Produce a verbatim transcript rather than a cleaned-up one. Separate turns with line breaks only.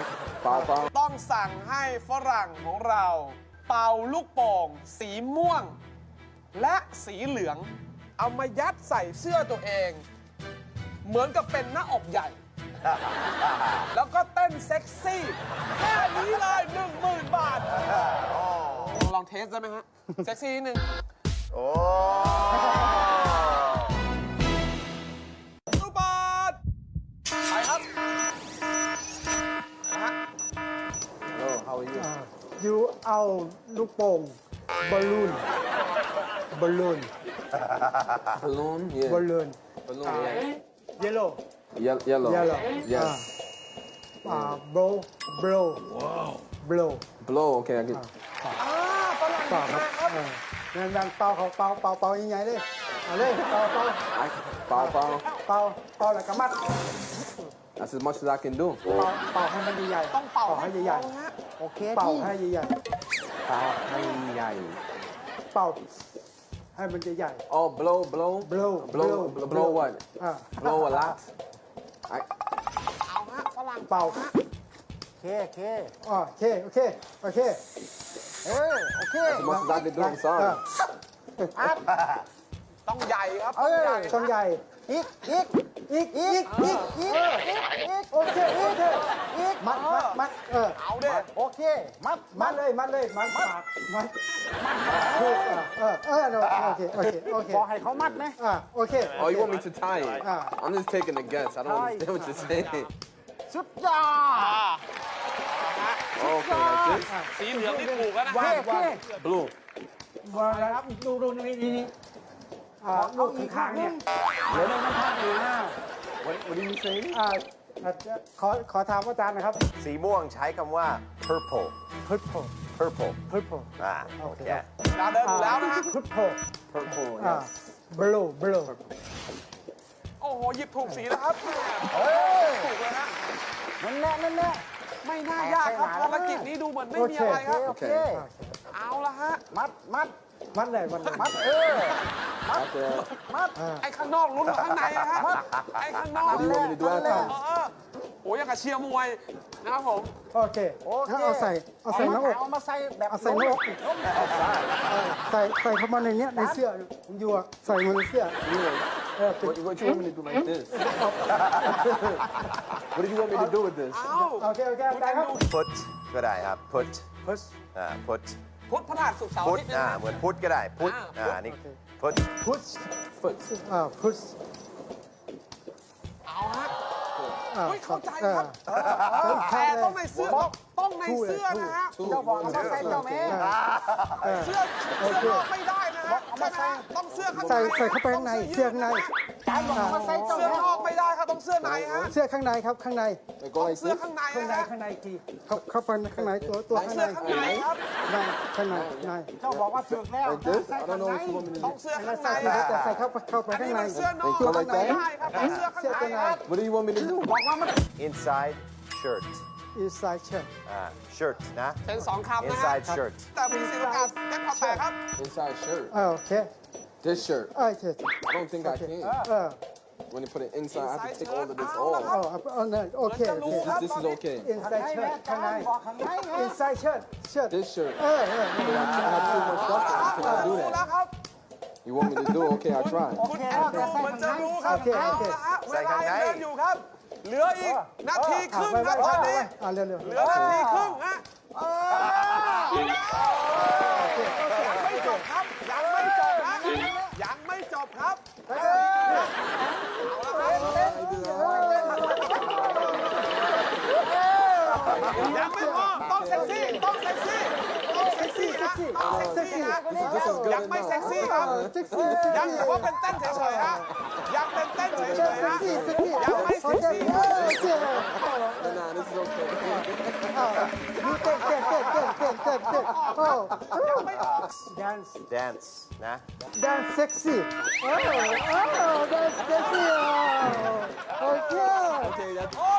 เป่าเป่า
ต้องสั่งให้ฝรั่งของเรา เป่าลูกโป่งสีม่วง และสีเหลือง เอามายัดใส่เสื้อตัวเอง เหมือนกับเป็นหน้าอกใหญ่ แล้วก็เต้นเซ็กซี่ แค่นี้เลยหนึ่งหมื่นบาท ลองเทสได้ไหมฮะ เซ็กซี่นิดนึง
โอ้
ลูกบาทไปครับนะฮะ
Oh, how are you?
ยูเอาลูกโป่งบอลลูนบอลลูน
Balloon? Yeah.
บอลลูน
Balloon, yeah.
เยลโล่
Ye- yellow.
เยลโล่
Yes.
อ่าโบรโบรโบร
Blow, okay, I get
อ่าฝรั่ง
เป่าครับ
ครับ
เออนั่นนั่นเป่าเขาเป่าเป่าเป่ายังไงเลยเอาเลยเป่าเป่า
I, bow, bow.
เป่าเป่าแล้วก็มัด
That's as much as I can do.
เป่าเป่าให้มันใหญ่ๆ
ต้องเป่าให้
ให้
พ
ใหญ่
อฮะ
โอเคเป่าให้ใหญ่
Bow, hey, yay.
ๆเป่าให้มันใหญ่
Oh, blow, blow.
Blow,
blow,
blow,
blow,
blow.
what?
อ่า
Blow a lot. I,
เอาฮะฝรั่ง
เป่า
ฮะ
เคเค
อ๋อโอเคโอเคโอเค
เออโอเค
as much as I can do, I'm sorry.
อัพ
ต้องใหญ่ครับ
เอ
ต้อง
อ
ใหญ่
ต้องใหญ่
อีกอีก
อีกอีกอีกอีก
อีก
โอเคโอเค
อีก
มัดมัดมัดเออ
เอาเด้
โอเคมัด
มัดเลยมัดเลยมัดปากมัดถูกอ่ะเออเออเออโอเคโอเคโอเค
บอกให้เขามัดไหม
อ่ะโอเค
Oh, you want me to tie it?
Ah.
I'm just taking a guess. I don't
Tie.
understand what you're saying.
สุดยอด
Okay, like this.
สีเหลืองนี่ถูกแล้วนะ
เค
ฮะ
เค
Blue.
วางแล้วดูดูนี่นี่นี่อ่าลูกข้างๆเนี่ยเดี๋ยวมันพลาดอยู่นะ
What, what did you say?
อ่าอาจจะขอขอถามอาจารย์นะครับ
สีม่วงใช้คำว่า purple
purple
purple
purple
อ่าโอเค
ดาวเดินอยู่แล้วนะฮะ
purple
Purple,
อ่า
yes.
blue blue
โอ้โห หยิบถูกสีแล้วครับถูกเลยฮะ
นั่นแหละนั่นแหละ
ไม่น่ายากครับ ภารกิจนี้ดูเหมือนไม่มีอะไรครับ
โอเค
เอาละฮะ
มัดมัด
มัดเลยมัดเลย
มัดเออ
Okay.
มัด
ไอ้ข้างนอกลุ้นกว่าข้างในอะฮะไอ้ข้างนอก
What do you want me to do
นั่นแหละ
after?
เออโอ้ยยังกับเชียร์มวยนะครับผม
โอเค
โอเค
ถ้าเอาใส่เอาใส่หน้าอก
เอามาใส่แบบ
เอาใส่หน้าอกอีกใส่ใส่เข้ามาในเนี้ยในเสื้ออยู่อะใส่มาในเสื้อเออเป็น
What, what you want me to do like this? What do you want me to do with this?
เอา
โอเคโอเคได้ครับ
put ก็ได้ครับ put
push
อ่า put
พุธพฤหัสศุกร์เสาร์อา
put
ทิตย์นะ
อ่า
ฮะ
เหมือน put ก็ได้ put
อ่า
อ่านี่ put
push
Foot.
อ่า push
เอาฮะ
อ่า
เฮ้ยเข้าใจครับ
เออ
แต่ต้องในเสื้อต้องในเสื้อนะฮะ
Two.
เจ้าบอกเอามาใส่เจ้าแม่
เสื้อเสื้อนอกไม่ได้นะฮะใช่ไหมฮะต้องเสื้อข้างใน
ใส่ใส่เข้าไปข้างในเสื้อข้างใน
จานบอกเอามาใส่เจ้า
เสื้อ
แม่
นอกไม่ได้ครับต้องเสื้อในฮะ
เสื้อข้างในครับข้างใน
They go like
เสื้อ
this.
ข้างใน
ข้างใน
นะฮะ
ข้างในอีกทีเข้าเข้าไปข้างในตัวตัวข้าง
เสื้
ใน
อข้างในครับ
ในข้างในใน
เจ้าบอกว่าถึกแล้ว
Like this.
ใส่
I
ข้าง
don't know
ใน
what you want me to
ต้อง
do.
เสื้อ
แล้
ข้าว งใน
ใส่
ฮะ
แต่ใส่เข้าไปเข้าไป
อัน
ข้าง
นี้
ใน
มันเสื้อนอก
They go
ไม่
like
ได้
that.
ครับต้องเสื้อข้างในครับ
What do you want me to do?
บอกว่ามัน
inside shirt
inside shirt
อ่า shirt นะ
เป็นสองคำนะฮะ
inside shirt
แต่มีสิทธิ์การแก้ความแตกครับ
Inside shirt.
อ่าโอเค
This shirt.
โอเค
I don't think I can.
เออ
When you put it inside, I have to take all of this
Inside shirt.
off.
เอาเอาเอาเนี่ยโอเคโอเค
This, this is okay.
inside
ข้างใน
shirt ข้างใน
บอกข้างในไง
inside shirt shirt
This shirt.
เออเออ
I have too much stuff on. Can I do
รู้แล้ว
that?
ครับ
You want me to do? Okay, I'll try.
คุณแอนดรูเหมือนจะรู้ครับเอาละฮะเวลายังเดินอยู่ครับ เหลืออีกนาทีครึ่ง
ไป
ครับ
ไป
ตอน
ไป
นี้
อ่าเร็วเร็ว
เหลือนาทีครึ่งฮะยังไม่จบครับ ยังไม่จบนะยังไม่จบครับยังไม่พอต้องเซ็กซี่ต้องเซ็กซี่ต้องเซ็กซี่นะต้องเซ็กซี่นะ
This is good
ยังไม่
enough.
เซ็กซี่ครับ
เซ็กซี่
ยังแต่ว่าเป็นเต้นเฉยๆฮะยังเป็นเต้นเฉยๆฮะ
เซ็กซี่
ยังไม่เซ็กซี่
เออโอเค
Nah, this is okay.
ยูเต้นเต้นเต้นเต้นเต้นเต้นเต้นโอ้
ยังไม่ออก
dance
dance นะ
dance sexy โอ้โอ้ dance sexy โอเค
Okay, that's
โอ้